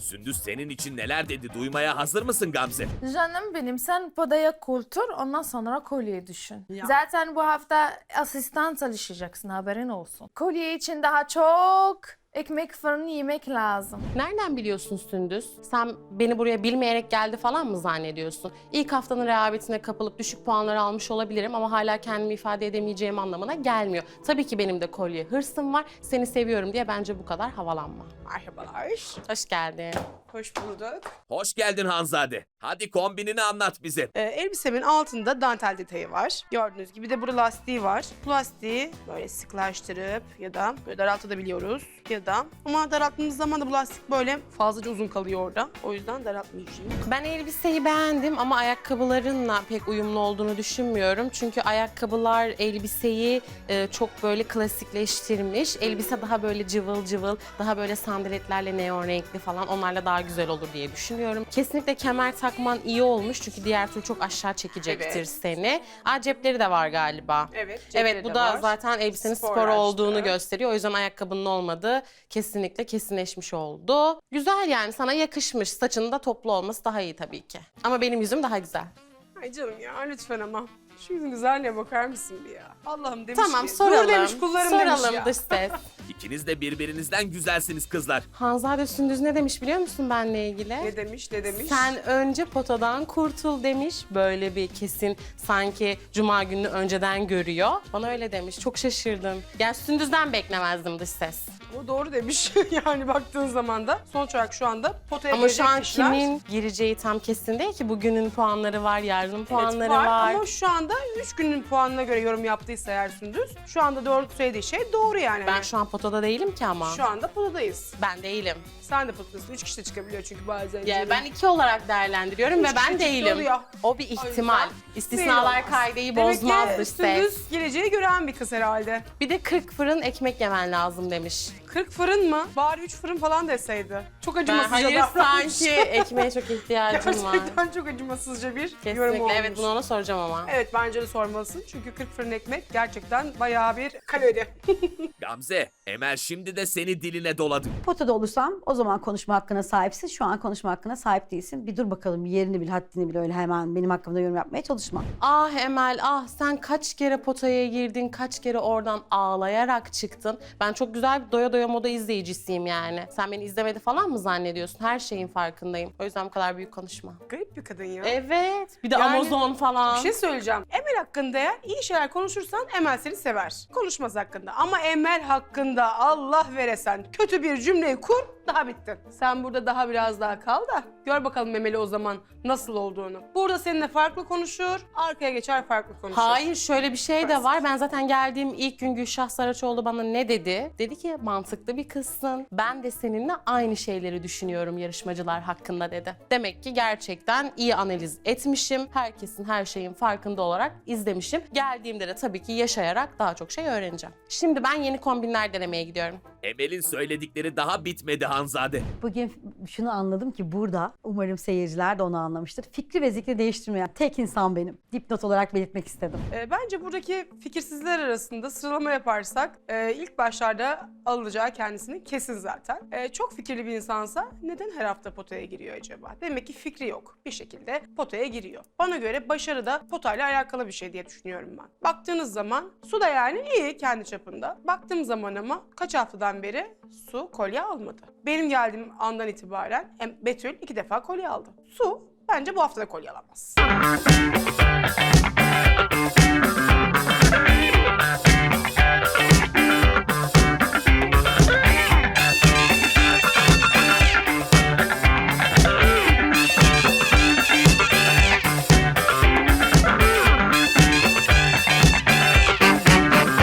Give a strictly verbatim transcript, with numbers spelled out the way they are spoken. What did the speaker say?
Sündüz senin için neler dedi duymaya hazır mısın Gamze? Canım benim, sen podaya kultur, ondan sonra kolyeyi düşün. Ya. Zaten bu hafta asistan çalışacaksın, haberin olsun. Kolye için daha çok ekmek fırını yemek lazım. Nereden biliyorsun Sündüz? Sen beni buraya bilmeyerek geldi falan mı zannediyorsun? İlk haftanın rehavetine kapılıp düşük puanlar almış olabilirim ama hala kendimi ifade edemeyeceğim anlamına gelmiyor. Tabii ki benim de kolye hırsım var. Seni seviyorum diye bence bu kadar havalanma. Merhabalar. Hoş geldin. Hoş bulduk. Hoş geldin Hanzade. Hadi kombinini anlat bize. Ee, elbisemin altında dantel detayı var. Gördüğünüz gibi de burada lastiği var. Bu lastiği böyle sıklaştırıp ya da böyle daraltabiliyoruz. Ya da ama daralttığımız zaman da bu lastik böyle fazlaca uzun kalıyor orada. O yüzden daraltmayacağım. Ben elbiseyi beğendim ama ayakkabılarınla pek uyumlu olduğunu düşünmüyorum. Çünkü ayakkabılar elbiseyi e, çok böyle klasikleştirmiş. Elbise daha böyle cıvıl cıvıl, daha böyle sandaletlerle neon renkli falan, onlarla daha güzel olur diye düşünüyorum. Kesinlikle kemer takman iyi olmuş çünkü diğer türlü çok aşağı çekecektir Evet. seni. Aa, cepleri de var galiba. Evet, cepleri Evet, bu de da var. zaten elbisenin spor Sporlaştı. olduğunu gösteriyor. O yüzden ayakkabının olmadığı kesinlikle kesinleşmiş oldu. Güzel yani, sana yakışmış. Saçının da toplu olması daha iyi tabii ki. Ama benim yüzüm daha güzel. Ay canım ya lütfen ama. Şu yüzün güzelliğe bakar mısın bir ya? Allah'ım demiş Tamam, ki. soralım. Dur demiş, kullarım demiş soralım ya. dış ses. İkiniz de birbirinizden güzelsiniz kızlar. Hanzade Sündüz ne demiş biliyor musun benle ilgili? Ne demiş, ne demiş? Sen önce potadan kurtul demiş. Böyle bir kesin sanki cuma gününü önceden görüyor. Bana öyle demiş. Çok şaşırdım. Yani Sündüz'den beklemezdim dış ses. O doğru demiş yani baktığın zaman da. Sonuç olarak şu anda potaya Ama şu girecek an kişiler- kimin gireceği tam kesin değil ki. Bugünün puanları var, yarının Evet, puanları var. var. Ama şu anda üç günün puanına göre yorum yaptıysa eğer Sündüz, şu anda doğru söylediği şey doğru yani. Ben şu an potada değilim ki ama. Şu anda potadayız. Ben değilim. Sen de potadasın. Üç kişi de çıkabiliyor çünkü bazen. Ya canım. ben iki olarak değerlendiriyorum Üç ve ben kişi değilim. oluyor. O bir O ihtimal. yüzden belli İstisnalar olmaz. kaideyi Demek bozmaz ki dış ses. Sündüz geleceği gören bir kız herhalde. Bir de kırk fırın ekmek yemen lazım demiş. kırk fırın mı? Bari üç fırın falan deseydi. Çok Ben acımasızca hayır davranmış. sanki ekmeğe çok ihtiyacım var. Gerçekten çok acımasızca bir yorum Kesinlikle olmuş. evet, bunu ona soracağım ama. Evet bence de sormalısın çünkü kırk fırın ekmek gerçekten bayağı bir kalori. Gamze, Emel şimdi de seni diline doladı. Potada olursam o zaman konuşma hakkına sahipsin. Şu an konuşma hakkına sahip değilsin. Bir dur bakalım, bir yerini bil, haddini bil, öyle hemen benim hakkımda yorum yapmaya çalışma. Ah Emel, ah sen kaç kere potaya girdin, kaç kere oradan ağlayarak çıktın. Ben çok güzel bir doya doya moda izleyicisiyim yani. Sen beni izlemedi falan mı zannediyorsun? Her şeyin farkındayım. O yüzden bu kadar büyük konuşma. Garip bir kadın ya. Evet, bir de Yani Amazon falan. Bir şey söyleyeceğim. Emel hakkında eğer iyi şeyler konuşursan Emel seni sever. Konuşmaz hakkında. Ama Emel hakkında Allah veresen kötü bir cümleyi kur, daha bittin. Sen burada daha biraz daha kal da gör bakalım Emel'i o zaman nasıl olduğunu. Burada seninle farklı konuşur, arkaya geçer farklı konuşur. Hayır, şöyle bir şey de var. Ben zaten geldiğim ilk gün Gülşah Saraçoğlu bana ne dedi? Dedi ki mantıklı bir kızsın. Ben de seninle aynı şeyleri düşünüyorum yarışmacılar hakkında dedi. Demek ki gerçekten iyi analiz etmişim. Herkesin her şeyin farkında olarak izlemişim. Geldiğimde de tabii ki yaşayarak daha çok şey öğreneceğim. Şimdi ben yeni kombinler denemeye gidiyorum. Emel'in söyledikleri daha bitmedi Hanzade. Bugün şunu anladım ki burada, umarım seyirciler de onu anlamıştır. Fikri ve zikri değiştirmeyen tek insan benim. Dipnot olarak belirtmek istedim. Ee, bence buradaki fikirsizler arasında sıralama yaparsak e, ilk başlarda alınacağı kendisini kesin zaten. E, çok fikirli bir insansa neden her hafta potaya giriyor acaba? Demek ki fikri yok. Bir şekilde potaya giriyor. Bana göre başarı da potayla alakalı bir şey diye düşünüyorum ben. Baktığınız zaman Su da yani iyi kendi çapında. Baktığım zaman ama kaç haftadan beri Su kolye almadı. Benim geldiğim andan itibaren hem Betül iki defa kolye aldı. Su bence bu hafta da kolye alamaz.